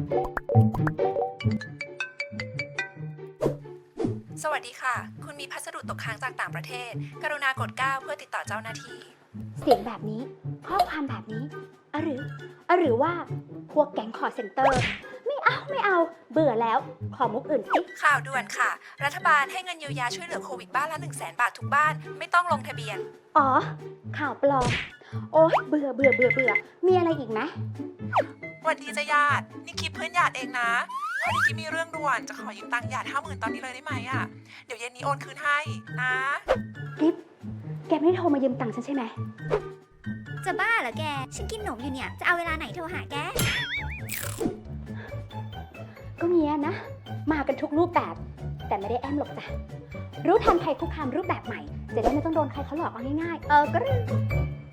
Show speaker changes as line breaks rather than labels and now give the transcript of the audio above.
สวัสดีค่ะ คุณมีพัสดุตกค้างจากต่างประเทศ กรุณากด 9 เพื่อติดต่อเจ้าหน้าที่
เสียงแบบนี้ ข้อความแบบนี้หรือว่าพวกแก๊งคอร์เซ็นเตอร์ ไม่เอา เบื่อแล้ว ขอมุกอื่นสิ
ข่าวด่วนค่ะ รัฐบาลให้เงินเยียวยาช่วยเหลือโควิดบ้านละ 100,000 บาททุกบ้าน ไม่ต้องลงทะเบียน
อ๋อ ข่าวปลอม โอ๊ยเบื่อ มีอะไรอีกไหม
สวัสดีจ้ะญาติ นี่คลิปเพื่อนญาติเองนะ พอดีกิ๊บมีเรื่องด่วน จะขอยืมตังค์ญาติ 50,000 ตอนนี้เลยได้ไหมอ่ะ เดี๋ยวเย็นนี้โอนคืนให้นะ
กิ๊บ แกไม่ได้โทรมายืมตังค์ฉันใช่ไหม
จะบ้าเหรอแก ฉันกินหนมอยู่เนี่ย จะเอาเวลาไหนโทรหาแก
ก็เงี้ยนะ มากันทุกรูปแบบ แต่ไม่ได้แอมหรอกจ้ะ รู้ทันภัยคุกคามรูปแบบใหม่ จะได้ไม่ต้องโดนใครเขาหลอกเอาง่ายๆ ก็เรื่อง